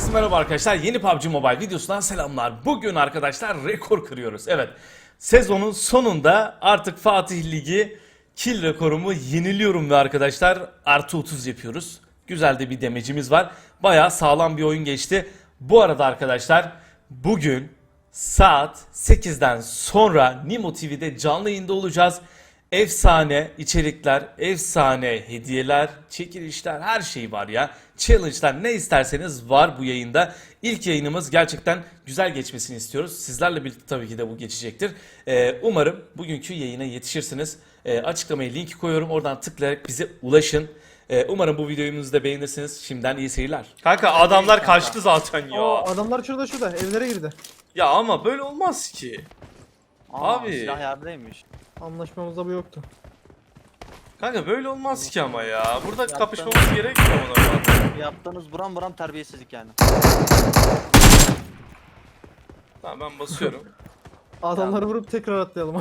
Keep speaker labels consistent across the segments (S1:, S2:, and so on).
S1: Herkese merhaba arkadaşlar. Yeni PUBG Mobile videosundan selamlar. Bugün arkadaşlar rekor kırıyoruz. Evet. Sezonun sonunda artık Fatih Ligi kill rekorumu yeniliyorum ve arkadaşlar artı 30 yapıyoruz. Güzel de bir demecimiz var. Bayağı sağlam bir oyun geçti. Bu arada arkadaşlar bugün saat 8'den sonra Nimo TV'de canlı yayında olacağız. Efsane içerikler, efsane hediyeler, çekilişler, her şey var ya. Challenge'lar, ne isterseniz var bu yayında. İlk yayınımız gerçekten güzel geçmesini istiyoruz. Sizlerle birlikte tabii ki de bu geçecektir. Umarım bugünkü yayına yetişirsiniz. Açıklamaya linki koyuyorum. Oradan tıklayarak bize ulaşın. Umarım bu videomuzu da beğenirsiniz. Şimdiden iyi seyirler. Kanka adamlar kaçtı zaten ya.
S2: Adamlar şurada evlere girdi.
S1: Ya ama böyle olmaz ki. Abi.
S3: Silah yerdeymiş.
S2: Anlaşmamızda bu yoktu.
S1: Kanka böyle olmaz ki ama ya. Burada
S3: Yaptın.
S1: kapışmamız gerekmiyor normalde.
S3: Yaptığınız buram buram terbiyesizlik yani.
S1: Tamam ben basıyorum.
S2: Adamları vurup tekrar atlayalım.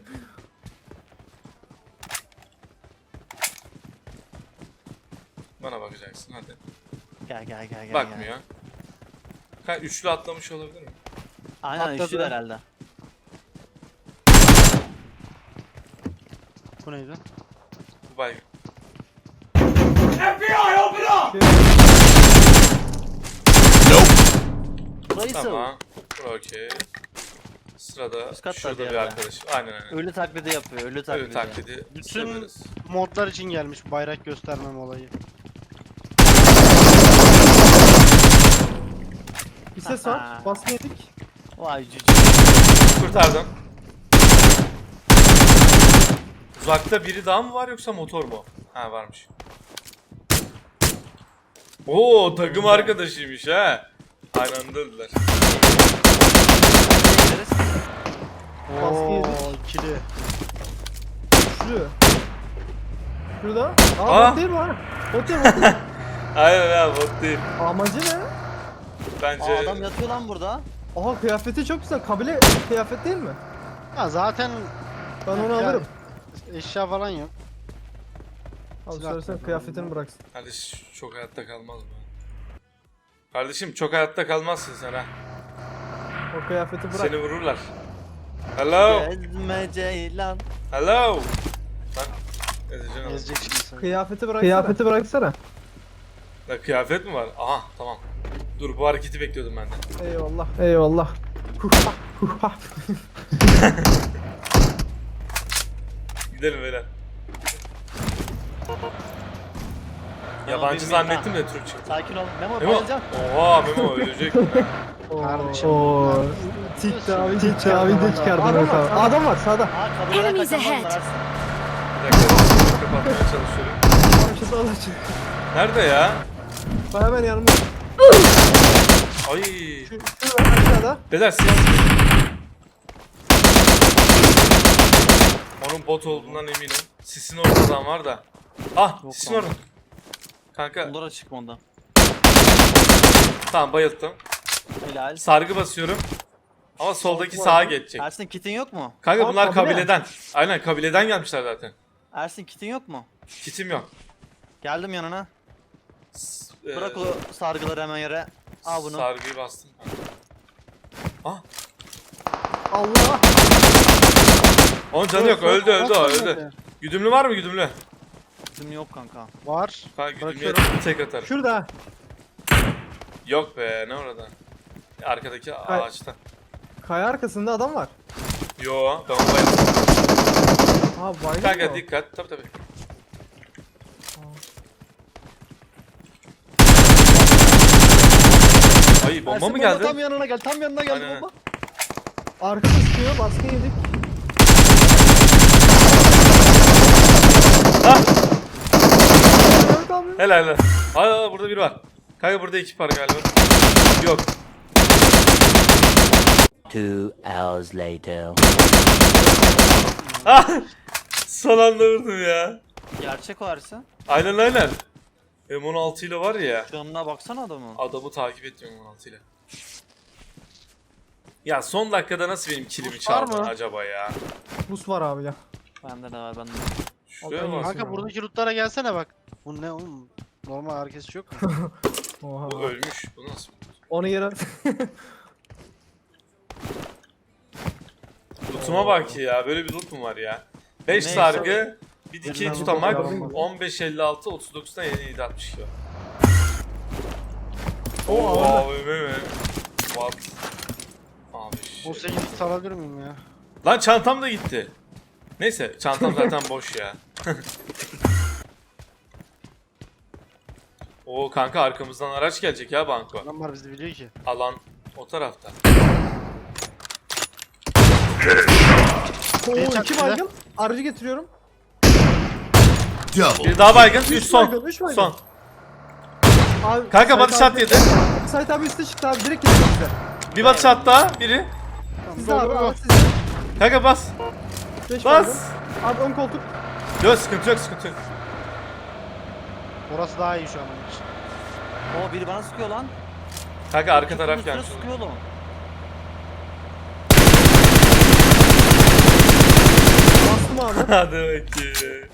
S1: Bana bakacaksın hadi.
S3: Gel.
S1: Bakmıyor. Kanka üçlü atlamış olabilir mi?
S3: Aynen
S2: Atladı.
S3: üçlü herhalde.
S4: Bu neydi?
S1: Bu baygın.
S3: Burayı sığ.
S1: Tamam. Okey. Sırada
S3: Üst katta
S1: şurada
S3: bir
S1: bir
S3: yerde.
S1: arkadaş. Aynen.
S3: Ölü taklidi yapıyor. Ölü taklidi.
S1: Evet taklidi
S4: Bütün
S1: severiz.
S4: modlar için gelmiş bayrak göstermem olayı.
S2: Bir ses var. Baskı yedik.
S3: Vay cücü.
S1: Kurtardım. Uzakta biri daha mı var yoksa motor mu? Ha varmış. Oo takım arkadaşıymış ha. Aynı anda öldüler.
S2: Baskı yedik.
S4: İkili.
S2: Şuraya. Şurada.
S1: Aa!
S2: Bot değil mi ha? Bot değil mi?
S1: Aynen ya bot değil.
S2: Amacı ne?
S1: Bence
S3: Adam yatıyor lan burada.
S2: Aha kıyafeti çok güzel. Kabile kıyafet değil mi?
S4: Ya zaten
S2: Ben onu
S4: Ya-
S2: alırım.
S4: eşya falan yok.
S2: Abi
S4: silah
S2: söylesen
S4: yok.
S2: kıyafetini bıraksın.
S1: kardeş çok hayatta kalmaz mı? Kardeşim çok hayatta kalmazsın sen ha.
S2: O kıyafeti bırak.
S1: Seni vururlar. Hello.
S3: Gezme Ceylan.
S1: Hello. Lan ezeceğim.
S4: Ezecek şimdi seni.
S2: Kıyafeti bıraksana. Kıyafeti bıraksana.
S1: Ya kıyafet mi var? Aha tamam. Dur bu hareketi bekliyordum ben de.
S2: Eyvallah. Eyvallah. Huha, huha.
S1: Gidelim beyler. Yabancı
S3: bir
S1: zannettim de Türk çıktı.
S3: Sakin ol. Memo
S1: Memo.
S3: bayılacağım.
S1: Oha Memo ölecek.
S4: Kardeşim.
S2: Oo. Tiktavi de çıkardım. Adam var sağda.
S3: Kabuleden
S5: Enemies
S3: kaçan
S5: ahead.
S3: var Ersin.
S1: Bir dakika kapatmaya çalışıyorum.
S2: Şu sağda çık.
S1: Nerede ya?
S2: Hemen yanımda.
S1: Ay.
S2: Şurada aşağıda.
S1: Beyler siz. Onun bot olduğundan eminim. Sisin ortadan var da. Ah
S3: Yok
S1: sisin
S3: lan.
S1: orada. Kanka
S3: Bunlara çıkma ondan.
S1: tamam bayılttım.
S3: Helal.
S1: Sargı basıyorum. Ama soldaki
S2: var
S1: sağa
S2: mı?
S1: geçecek.
S3: Ersin kitin yok mu?
S1: Kanka
S2: Aa,
S1: bunlar
S2: kabile.
S1: kabileden. Aynen kabileden gelmişler zaten.
S3: Ersin kitin yok mu?
S1: Kitim yok.
S3: Geldim yanına. Bırak
S1: Ee,
S3: o sargıları hemen yere. Al bunu.
S1: Sargıyı bastım. Ah.
S2: Allah.
S1: Onun canı yok. Öldü öldü o
S4: Bak,
S1: öldü. Güdümlü var mı güdümlü?
S3: Bizim yok kanka.
S4: Var.
S1: Kanka güdümlüye
S4: Bırakıyorum.
S1: tek atarım.
S2: Şurada.
S1: Yok be ne orada? Arkadaki ağaçta.
S2: Kaya arkasında adam var.
S1: Yo ben onu bayıldım.
S2: Ha baygın
S1: Kanka
S2: mı?
S1: dikkat. Tabii. Ay bomba
S3: Ersin,
S1: mı geldi?
S3: Tam yanına gel. Tam yanına geldi
S1: Aynen.
S3: bomba.
S2: Arka sıkıyor, baskı yedik.
S1: Ah!
S2: Evet abi.
S1: Helal helal. Aa burada biri var. Kanka burada ekip var galiba. Yok.
S6: 2 hours later.
S1: Ah! Son anda vurdum ya.
S3: Gerçek o Ersin.
S1: Aynen. M16 ile var ya.
S3: Canına baksana adamın.
S1: Adamı takip etmiyorum M16 ile. Ya son dakikada nasıl benim kilimi
S2: Boost var
S1: çaldın
S2: mı?
S1: acaba ya?
S2: Bus var abi ya.
S3: Bende de var bende.
S1: Şuraya
S2: Bakın
S1: bak.
S4: Kanka buradaki lootlara gelsene bak. Bu ne oğlum? Normal herkes yok mu?
S2: Oha.
S1: Bu ölmüş. Bu nasıl?
S2: Onu yere...
S1: Loot'uma bak ya. Böyle bir loot mu var ya? 5
S3: Neyse.
S1: sargı, bir dikey
S3: Yerinden
S1: tutamak,
S2: loot'a bakalım.
S1: 15.56, 39'dan 7.62.
S2: O
S1: Oo,
S2: ağır.
S1: AVM mi? What? Abi
S4: O
S1: şey.
S4: 8 alabilir miyim ya?
S1: Lan çantam da gitti. Neyse çantam zaten boş ya. Oo kanka arkamızdan araç gelecek ya banko.
S4: Adamlar bizi biliyor ki.
S1: Alan o tarafta.
S2: Oo,
S4: Bir
S2: 2
S4: çaktı.
S2: baygın. Aracı getiriyorum.
S1: Bir daha baygın, 3
S2: Üç
S1: son.
S2: baygın, üç baygın.
S1: Son.
S2: Abi,
S1: Kanka
S2: Sait
S1: body shot
S2: abi-
S1: yedi.
S2: Sait abi üstte çıktı abi. Direkt gidiyor bize.
S1: Bir body shot daha, biri.
S2: Sizde abi.
S4: Go, go,
S2: Abi
S4: go.
S2: sizde.
S1: Kanka bas.
S2: 5 baygın.
S1: Bas.
S2: Abi ön koltuk.
S1: Yok sıkıntı yok, sıkıntı yok.
S4: Orası daha iyi şu an onun için.
S3: Oo biri bana sıkıyor lan.
S1: Kanka arka
S3: Köprünün
S1: taraf
S3: üstüne
S1: gelmiş.
S3: sıkıyor oğlum.
S2: Bastım abi.
S1: Hadi bakayım.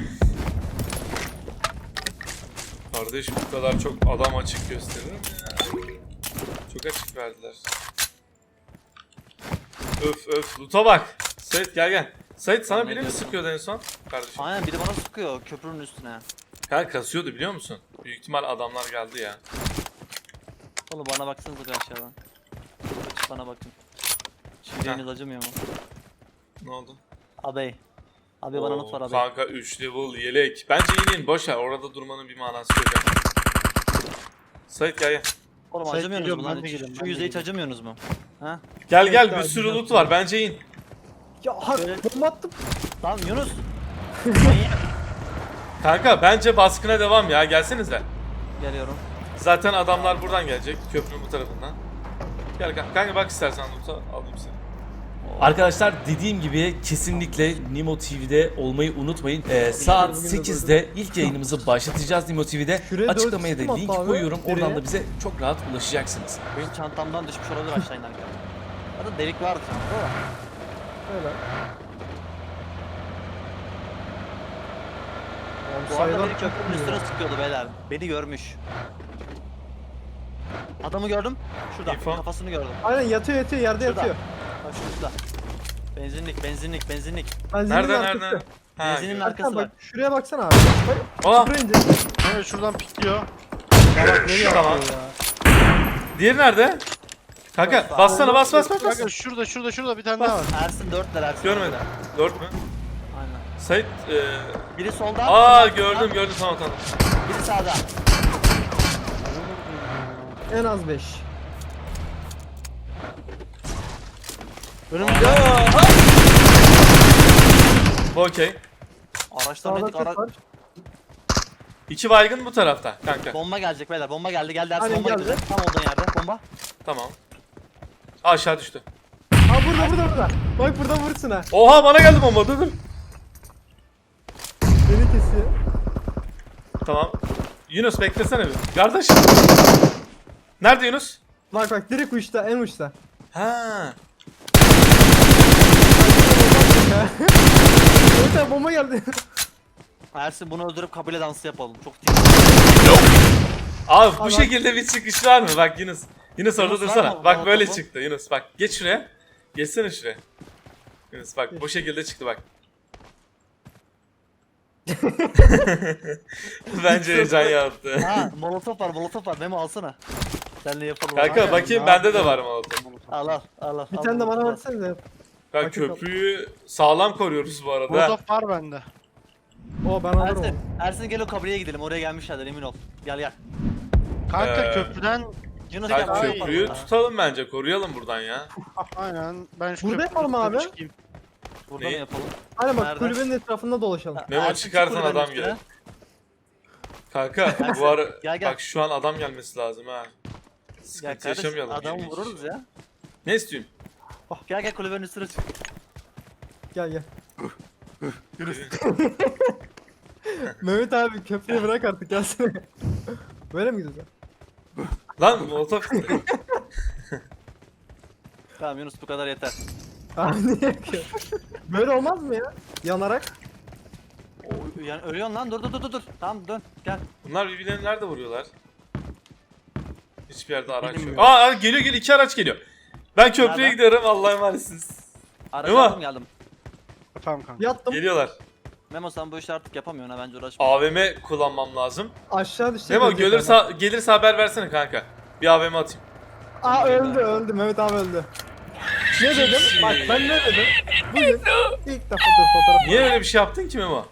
S1: Kardeş bu kadar çok adam açık gösterir mi ya? Çok açık verdiler. Öf öf loot'a bak. Sait gel gel. Sait sana
S3: Ne
S1: biri mi
S3: diyorsun?
S1: sıkıyordu en son? Kardeşim.
S3: Aynen biri bana sıkıyor köprünün üstüne.
S1: Kanka kasıyordu biliyor musun? Büyük ihtimal adamlar geldi ya.
S3: Oğlum bana baksanıza bir aşağıdan. Açıp bana bakın. Şiiriniz acımıyor mu?
S1: Ne oldu?
S3: Abey. Abi bana
S1: Oo,
S3: not var abi.
S1: Kanka 3 level yelek. Bence inin boş ver. Orada durmanın bir manası yok. ya. Sait gel gel.
S3: Oğlum
S4: Sait
S3: acımıyorsunuz
S4: geliyorum,
S3: mu
S4: ben
S3: lan?
S4: de geliyorum,
S3: Şu
S4: ben de
S3: yüzeye hiç
S4: geliyorum.
S3: acımıyorsunuz mu? Ha?
S1: Gel gel
S2: Bekle
S1: bir
S2: abi,
S1: sürü
S2: bir
S1: loot
S2: dakika.
S1: var. Bence in.
S2: Ya ha,
S3: Şöyle-
S2: bomba attım.
S3: Tamam Yunus. Manyak.
S1: Kanka bence baskına devam ya. Gelsenize.
S3: Geliyorum.
S1: Zaten adamlar buradan gelecek. Köprünün bu tarafından. Gel kanka bak istersen loot'a alayım seni.
S5: Arkadaşlar dediğim gibi kesinlikle Nimo TV'de olmayı unutmayın. Saat
S2: bugün de
S5: 8'de ilk yayınımızı başlatacağız Nimo TV'de.
S2: Şuraya dört
S5: Açıklamaya
S2: sistem
S5: da
S2: attı
S5: link
S2: abi.
S5: koyuyorum. Oradan
S2: Nereye?
S5: da bize çok rahat ulaşacaksınız.
S3: Benim çantamdan düşmüş olabilir aşağı inerken. Hatta delik vardı çantada da.
S2: Öyle.
S3: Bu arada
S2: Sayılar
S3: beni köprünün üstüne sıkıyordu beyler. Beni görmüş. Adamı gördüm. Şurada.
S1: İnfo.
S3: Kafasını gördüm.
S2: Aynen yatıyor yerde
S3: Şurada.
S2: yatıyor.
S3: Bak şurada. Benzinlik.
S2: Ben
S1: Nerede
S2: arkası.
S1: nerede? Ha,
S3: Benzinin
S1: gördüm.
S3: arkası
S2: Erkan
S3: var.
S2: bak şuraya baksana abi. Bak
S1: Aa,
S2: şuraya ince.
S4: Evet şuradan pikliyor.
S1: tamam. Diğeri nerede? Kanka bassana bas.
S4: Kanka şurada bir tane daha var.
S3: Ersin 4'ler Ersin.
S1: Görmedim. 4 mü?
S3: Aynen.
S1: Sait
S3: Biri solda.
S1: aa
S3: biri sağda,
S1: gördüm tamam.
S3: Biri sağda.
S2: En az 5.
S4: Önümde.
S1: Bu okey.
S3: Araçtan
S2: Sağda
S3: nedik
S2: ses var.
S1: 2 baygın bu tarafta kanka.
S3: Bomba gelecek beyler. Bomba geldi Ersin
S2: Aynen,
S3: bomba
S2: geldi.
S3: geldi. Tam olduğun yerde bomba.
S1: Tamam. Aşağı düştü.
S2: Aa burada. Bak buradan vursun ha.
S1: Oha bana geldi bomba dur.
S2: Beni kesiyor.
S1: Tamam. Yunus beklesene bir. Kardeş. Nerede Yunus?
S2: Bak direkt uçta en uçta.
S1: Ha.
S2: Evet abi bomba geldi.
S3: Ersin bunu öldürüp kabile dansı yapalım. Çok değil.
S1: Abi bu
S2: Ama-
S1: şekilde bir çıkış var mı? Bak Yunus. Yunus orada
S3: Yunus var
S1: dursana.
S3: mı?
S1: Bak
S3: Bana
S1: böyle
S3: topu.
S1: çıktı Yunus. Bak geç şuraya. Geçsene şuraya. Yunus bak bu şekilde çıktı bak. Bence heyecan yaptı.
S3: Ha molotof var. Memo alsana. Seninle yapalım.
S1: Kanka
S3: Aynen.
S1: bakayım bende de var molotof.
S3: Al.
S2: Bir tane de bana versenize.
S1: Bak
S2: Bakın-
S1: köprüyü sağlam koruyoruz bu arada.
S4: Molotof var bende.
S2: O ben alırım onu.
S3: Ersin gel o kabileye gidelim. Oraya gelmişlerdir emin ol. Gel.
S4: Kanka
S1: Ee,
S4: köprüden
S3: Yunus
S1: Bak
S3: gel. oraya
S1: köprüyü
S3: yapalım.
S1: tutalım bence. Koruyalım buradan ya.
S4: aynen ben şu
S2: Burada
S4: köprünün
S2: yapalım
S4: üstüne
S2: abi.
S4: çıkayım.
S3: Burada
S1: Ne?
S3: mı yapalım?
S2: Aynen bak
S3: Nerede?
S2: kulübenin etrafında dolaşalım.
S1: Memo
S3: Ersin,
S1: çıkarsan
S3: çık kulübenin
S1: adam
S3: üstüne.
S1: gelir. Kanka bu ara
S3: Gel.
S1: bak şu an adam gelmesi lazım ha.
S3: Gel
S1: Sıkıntı
S3: kardeş
S1: yaşamayalım.
S3: adamı
S1: 20
S3: vururuz
S1: kişi.
S3: ya.
S1: Ne istiyorsun?
S3: Gel kulübenin üstüne çık.
S2: Gel. Mehmet abi köprüyü bırak artık gelsene. Böyle mi gidiyoruz?
S1: Lan molotof.
S3: Tamam Yunus bu kadar yeter.
S2: Abi niye yakıyor? Böyle olmaz mı ya? Yanarak.
S3: Yani ölüyorsun lan dur. Tamam dön gel.
S1: Bunlar birbirlerini nerede vuruyorlar? Hiçbir yerde araç yok.
S4: Bilmiyorum.
S1: Aa geliyor geliyor, 2 araç geliyor. Ben köprüye
S3: Nereden?
S1: gidiyorum, Allah'a emanetsiniz.
S3: Aracı
S1: Memo.
S3: aldım geldim.
S4: Tamam kanka.
S2: Yattım.
S1: Geliyorlar.
S3: Memo sen bu işi artık yapamıyorsun ha, bence uğraşma.
S1: AVM kullanmam lazım.
S2: Aşağı düşecek.
S1: Memo
S2: ölecek
S1: gelirse haber versene kanka. Bir AVM atayım.
S2: adam. Aa öldü. Mehmet abi öldü. Ne dedim? Bak ben ne dedim? Bugün ilk defa fotoğraf.
S1: Niye öyle bir şey yaptın ki Memo?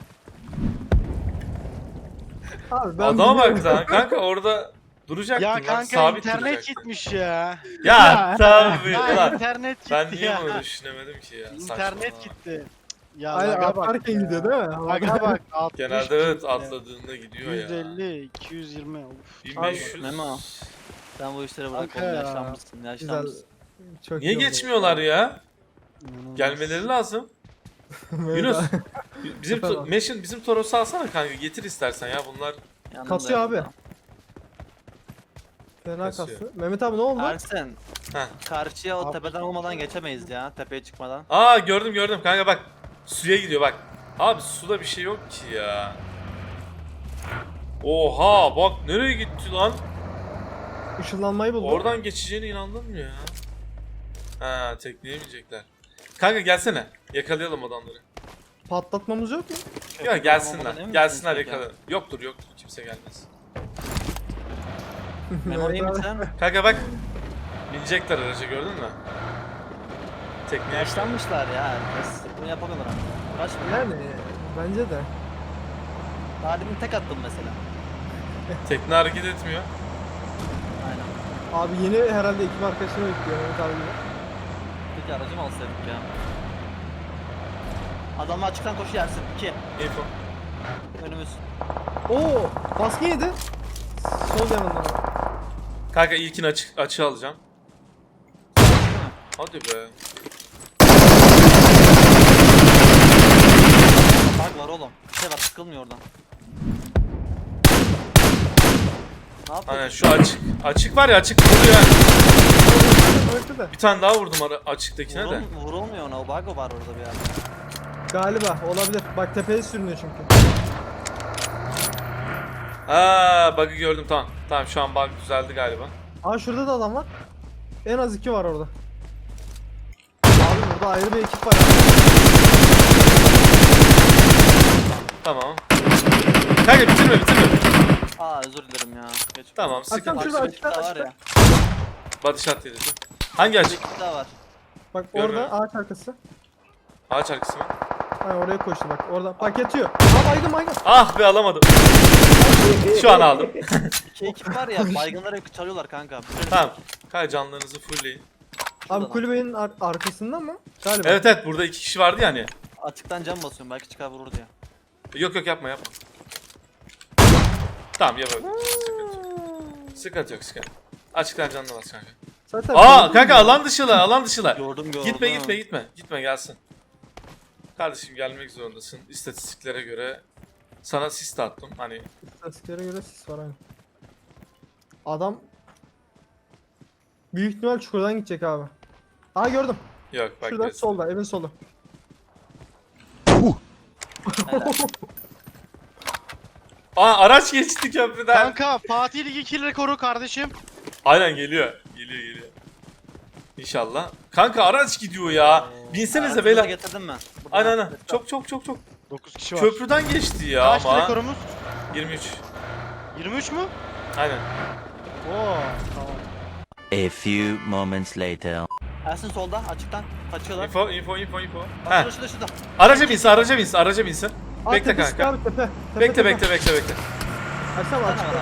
S2: Abi ben
S1: Adama bak
S2: biliyorum.
S1: lan kanka, orada duracaktın
S4: Ya
S1: lan,
S4: kanka
S1: sabit
S4: internet
S1: duracaktın.
S4: gitmiş ya.
S1: Ya tabii
S4: Ya
S1: lan.
S4: internet gitti
S1: Ben niye
S4: ya.
S1: bunu düşünemedim ki ya?
S4: İnternet
S1: Saçmalama.
S4: gitti. Ya
S2: Aynen
S4: laga bak
S2: atlarken
S4: ya.
S2: gidiyor değil mi?
S4: Laga bak 60
S1: Genelde evet
S4: gitti.
S1: atladığında gidiyor ya.
S4: 150, 220. Of.
S1: 1500.
S3: Memo. Sen bu işleri bırak
S4: Kanka
S3: oğlum,
S4: ya.
S3: yaşlanmışsın
S2: Güzel.
S3: yaşlanmışsın.
S2: Çok
S1: Niye
S2: iyi oldu.
S1: geçmiyorlar ya?
S4: İnanılmaz.
S1: Gelmeleri lazım.
S2: Mehmet
S1: Yunus,
S2: abi.
S1: bizim
S2: Efendim?
S1: Meşin bizim Toros'u alsana kanka, getir istersen ya, bunlar.
S3: Yanımda
S2: Kasıyor abi.
S3: yanımda.
S2: Fena
S1: Kasıyor.
S2: kastı. Mehmet abi ne oldu?
S3: Ersen.
S1: Heh.
S3: Karşıya o
S4: Abi.
S3: tepeden olmadan geçemeyiz ya, tepeye çıkmadan.
S1: Aa gördüm kanka, bak suya gidiyor bak. Abi suda bir şey yok ki ya. Oha bak nereye gitti lan?
S2: Işınlanmayı buldu.
S1: Oradan geçeceğine inandın mı ya? Ha, tekleyemeyecekler. Kanka gelsene, yakalayalım adamları.
S2: Patlatmamız yok mu?
S1: Ya
S3: Olmadan
S1: gelsinler,
S3: emin
S1: gelsinler
S3: misiniz
S1: yakalayalım. Yoktur kimse gelmez.
S3: Memo iyi
S2: abi.
S3: misin?
S1: Kanka bak, binecekler araca, gördün mü? Tekneye.
S3: Yaşlanmışlar ya herkes. Bunu yapamıyorlar artık. Uğraşma.
S2: Yani bence de.
S3: Daha demin tek attım mesela.
S1: Tekne hareket etmiyor.
S3: Aynen.
S2: Abi yeni herhalde ekip arkadaşını bekliyor Mehmet abi.
S3: Peki aracı mı alsaydık ya? Adamlar açıktan koşu yersin. 2.
S1: Info.
S3: Önümüz.
S2: Oo, baskın yedi. Sol yanından.
S1: Kanka ilkini açığa alacağım. Hadi be.
S3: Bug var oğlum. Bir şey var, sıkılmıyor oradan. Ne yapıyorsun?
S1: Aynen şu açık var ya, açık vuruyor.
S2: Öldü de.
S1: Bir tane daha vurdum açıktakine de.
S3: Vurulmuyor ona, o bug var orada bir yerde.
S2: Galiba olabilir. Bak tepeye sürünüyor çünkü.
S1: Aa bug'ı gördüm, tamam. Tamam şu an bug düzeldi galiba.
S2: Aa şurada da adam var. En az 2 var orada. Abi burada ayrı bir ekip var.
S1: Tamam. Kanka bitirme.
S3: Aa özür dilerim ya. Geç.
S1: Tamam
S2: Akşam
S1: sıkıntı
S2: şurada
S1: yok.
S3: Bir ekip daha var ya.
S1: Body shot yedi. Hangi
S3: Bir
S1: açık?
S3: ekip daha var.
S2: Bak
S1: Görmüyorum.
S2: orada ağaç arkası.
S1: Ağaç arkası mı?
S2: Hani oraya koştu bak. Orada. Bak yatıyor. Aa baygın.
S1: Ah be, alamadım. Şu an aldım.
S3: İki ekip var ya, baygınları çalıyorlar kanka.
S1: Tamam. Kanka canlarınızı fullleyin.
S2: Abi kulübenin arkasında mı? Galiba.
S1: Evet burada 2 kişi vardı ya hani.
S3: Açıktan cam basıyorum, belki çıkar vurur diye.
S1: Yok yapma. Tamam yapalım. Sıkıntı yok. Açıktan canına bas kanka.
S2: Zaten
S1: Aa kanka alan dışılar.
S3: Gördüm.
S1: Gitme gelsin. Kardeşim gelmek zorundasın. İstatistiklere göre sana sis de attım. Hani
S2: İstatistiklere göre sis var aynı. Adam büyük ihtimal çukurdan gidecek abi. Aa gördüm.
S1: yok bak.
S2: Şurada
S1: neyse.
S2: solda, evin solu.
S3: Helal.
S1: Aa araç geçti köprüden.
S4: Kanka Fatih Ligi kill rekoru kardeşim.
S1: Aynen geliyor. İnşallah. Kanka araç gidiyor ya. Binsenize
S3: Hayatınıza
S1: beyler.
S3: getirdim ben. Burada
S1: Aynen.
S3: let's go.
S1: Çok.
S4: 9 kişi var.
S1: Köprüden geçti ya
S4: Kaç
S1: ama.
S4: rekorumuz?
S1: 23.
S4: 23 mü?
S1: Aynen.
S4: Oo tamam.
S6: A few moments later.
S3: Ersin solda, açıktan kaçıyorlar.
S1: Info.
S3: Bak
S1: Heh.
S3: şurada.
S1: Araca binsin.
S2: Aa,
S1: Bekle
S2: tepe sıkı
S1: kanka.
S2: abi, tepe.
S1: Bekle.
S2: Açsana açıkta.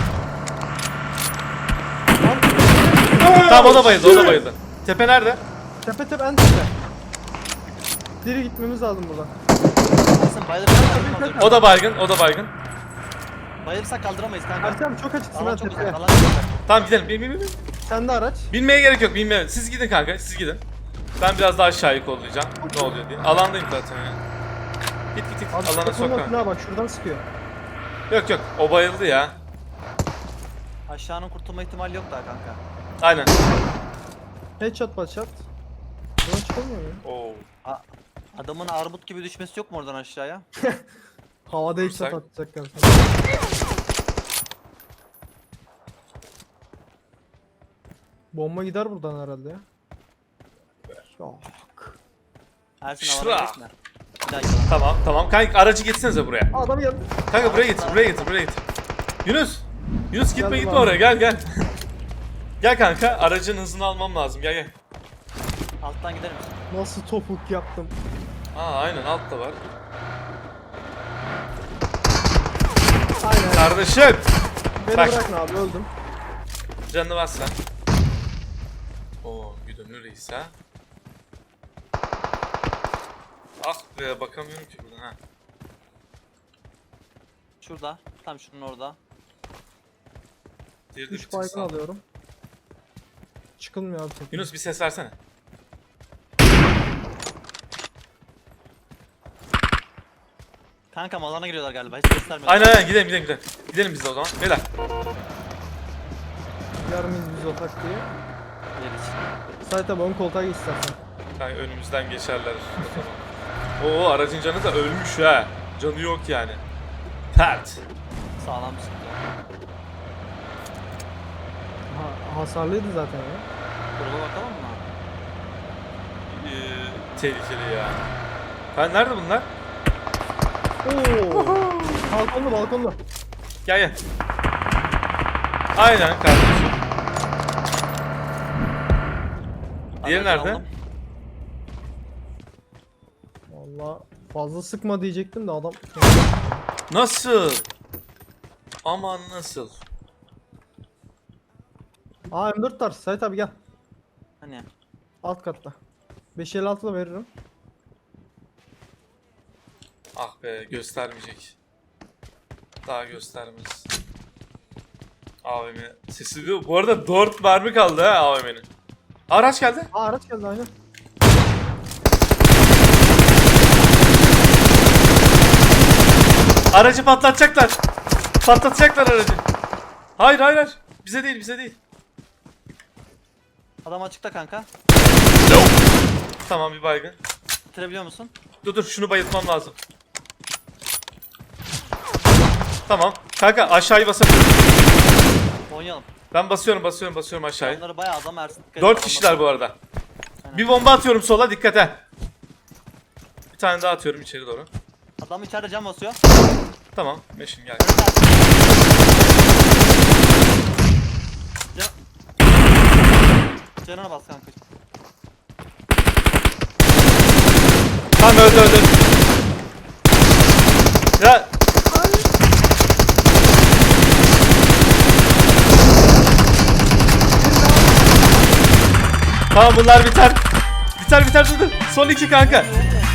S1: Tamam o da bayıldı. Tepe nerede?
S2: Tepe en tepe. Diri gitmemiz lazım buradan.
S3: Ersin bayılırsak
S1: O da baygın.
S3: Bayılırsak kaldıramayız kanka.
S2: Ersin çok açıksın
S3: Alan
S2: ha
S3: çok
S2: tepeye.
S3: uzak, alan çok uzak.
S1: Tamam gidelim. Bin.
S2: Sende araç.
S1: Binmeye gerek yok. Siz gidin kanka. Ben biraz daha aşağıyı kollayacağım. Ne oluyor diye. Alandayım zaten ya. Git.
S2: Abi
S1: Alana sok
S2: takılma
S1: kanka.
S2: silahı bak şuradan sıkıyor.
S1: Yok. O bayıldı ya.
S3: Aşağının kurtulma ihtimali yok daha kanka.
S1: Aynen.
S2: Headshot shot. Buradan çıkamıyor mu ya?
S1: Oo.
S3: Adamın armut gibi düşmesi yok mu oradan aşağıya?
S2: Havada headshot
S1: Dursak.
S2: atacaklar. Bomba gider buradan herhalde ya. Yok.
S3: Ersin
S1: Şura.
S3: alana gitme. Bir daha yalan.
S1: Tamam. Kanka aracı getirsenize buraya.
S2: Adam geldi.
S1: Kanka buraya getir. Yunus gitme
S2: Geldim
S1: gitme
S2: abi.
S1: oraya gel. Gel kanka aracın hızını almam lazım gel.
S3: Alttan gider misin?
S2: Nasıl topuk yaptım.
S1: Aa aynen altta var.
S2: Aynen.
S1: Kardeşim
S2: Beni
S1: bak.
S2: bırakın abi öldüm.
S1: canını bas sen. Oo güdümlü reis ha. Ah be bakamıyorum ki buradan ha.
S3: Şurada. Tam şunun orada.
S1: Diğeri de
S2: 3
S1: bir tık
S2: baygın
S1: sağ.
S2: alıyorum. Çıkılmıyor abi tek.
S1: Yunus bir ses versene.
S3: Kanka alana giriyorlar galiba. Hiç göstermedi.
S1: Aynen gidelim. Gidelim biz de o zaman. Beyler.
S2: Yarımız biz otak diye.
S3: Yeriz.
S2: Sait abi ön koltuğa geç istersen.
S1: Kanka önümüzden geçerler. Oo aracın canı da ölmüş ha. Canı yok yani. Pert.
S3: Sağlam bir sıkıntı.
S2: Hasarlıydı zaten ya.
S3: Gruba bakalım mı?
S1: Tehlikeli ya. Ha nerede bunlar?
S2: Oo. Balkonda.
S1: Gel. Aynen kardeşim. Diğeri
S3: Aracı
S1: nerede?
S3: aldım.
S2: Valla fazla sıkma diyecektim de adam.
S1: Nasıl? Aman nasıl?
S2: Aa M4 var. Sait abi gel.
S3: Hani?
S2: Alt katta. 556 da veririm.
S1: Ah be göstermeyecek. Daha göstermez. AVM sesi diyor. Bu arada 4 mermi kaldı ha AVM'nin. Araç geldi.
S2: Aa araç geldi aynen.
S1: Aracı patlatacaklar. Patlatacaklar aracı. Hayır. Bize değil.
S3: Adam açıkta kanka.
S1: Tamam bir baygın.
S3: Bitirebiliyor musun?
S1: Dur şunu bayıltmam lazım. Tamam. Kanka aşağıyı basabilirim.
S3: Oynayalım.
S1: Ben basıyorum aşağıyı.
S3: Onları bayağı adam Ersin.
S1: 4 kişiler bu arada.
S3: Aynen.
S1: Bir bomba atıyorum sola dikkat et. Bir tane daha atıyorum içeri doğru.
S3: Adam içeride cam basıyor.
S1: Tamam. Meşin gel.
S3: Canına bas kanka.
S1: Tamam öldü. Ya. Tamam bunlar biter. Biter dur. Son 2 kanka.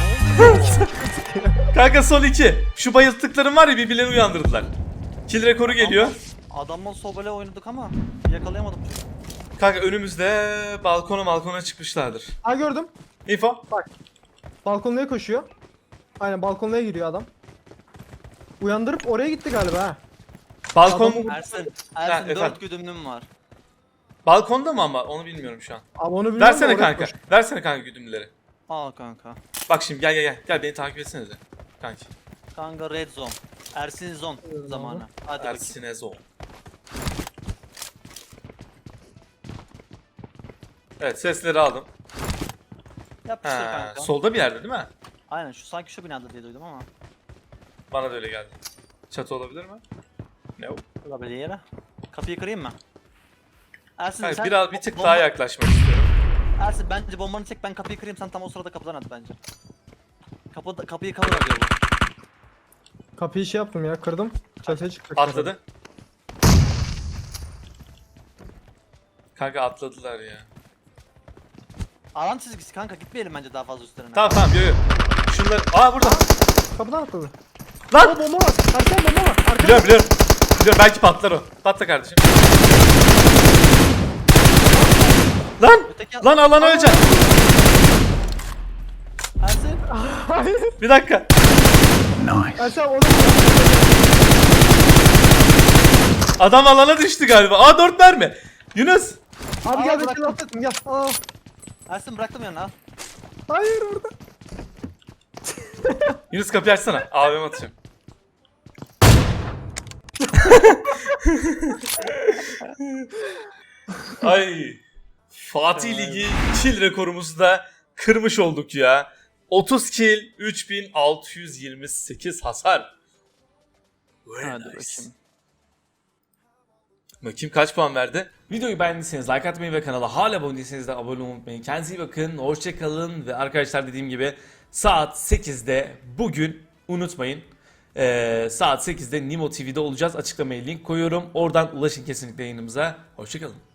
S1: Kanka son 2. Şu bayılttıklarım var ya birbirlerini uyandırdılar. Kill rekoru geliyor.
S3: Adamla sobele oynadık ama yakalayamadım.
S1: Kanka önümüzde balkona çıkmışlardır.
S2: Aa gördüm.
S1: Info.
S2: Balkonluya koşuyor. Aynen balkonluya giriyor adam. Uyandırıp oraya gitti galiba ha.
S1: Balkon
S2: Adamı-
S3: Ersin
S1: efendim.
S3: 4 güdümlüm var.
S1: balkonda mı ama onu bilmiyorum şu an.
S2: Ama onu bilmiyorum da
S1: Versene
S2: oraya
S1: kanka.
S2: koşuyor.
S1: Versene kanka güdümleri.
S3: Al kanka.
S1: Bak şimdi gel. Gel beni takip etsenize. Kanki.
S3: Kanka red zone. Ersin zone zamanı. Hadi bakayım.
S1: Ersinezo. Evet sesleri aldım.
S3: Yapıştır
S1: Ha,
S3: kanka.
S1: solda bir yerde değil mi?
S3: Aynen sanki şu binada diye duydum ama.
S1: Bana da öyle geldi. Çatı olabilir mi? Ne o?
S3: Olabilir yere. Kapıyı kırayım mı? Ersin
S1: Hayır,
S3: sen
S1: biraz bir tık
S3: bomba-
S1: daha yaklaşmak istiyorum.
S3: Ersin bence bombanı çek ben kapıyı kırayım sen tam o sırada kapıdan at bence. Kapıyı cover alıyor bu.
S2: Kapıyı şey yaptım ya kırdım. Çatıya çıkacak.
S1: Atladı. Kanka atladılar ya.
S3: Alan çizgisi kanka gitmeyelim bence daha fazla üstlerine.
S1: Tamam yo. Şunlar... Aa burada.
S2: Kapıdan atladı.
S1: Lan!
S2: Aa bomba var. Arkada bomba var. Arkada.
S1: Biliyorum. Belki patlar o. Patla kardeşim. Lan!
S3: Öteki...
S1: Lan alana öleceksin.
S3: Ersin.
S2: Hayır.
S1: Bir dakika.
S2: Ersin abi orada.
S1: Adam alana düştü galiba. Aa 4 mermi. Yunus.
S2: Abi
S3: Aa,
S2: gel
S3: bırak.
S2: bekle atlattım gel. Aa.
S3: Ersin bıraktım yanına al.
S2: Hayır orada.
S1: Yunus kapıyı açsana. AVM atacağım. Ay. Fatih Ligi kill rekorumuzu da kırmış olduk ya. 30 kill, 3628 hasar. Very
S3: Hadi
S1: nice.
S3: bakayım.
S1: Bakayım kaç puan verdi? Videoyu beğendiyseniz like atmayı ve kanala hala abone değilseniz de abone olmayı unutmayın. Kendinize iyi bakın, hoşçakalın ve arkadaşlar dediğim gibi saat 8'de bugün unutmayın. Saat 8'de Nimo TV'de olacağız. Açıklamaya link koyuyorum. Oradan ulaşın kesinlikle yayınımıza. Hoşçakalın.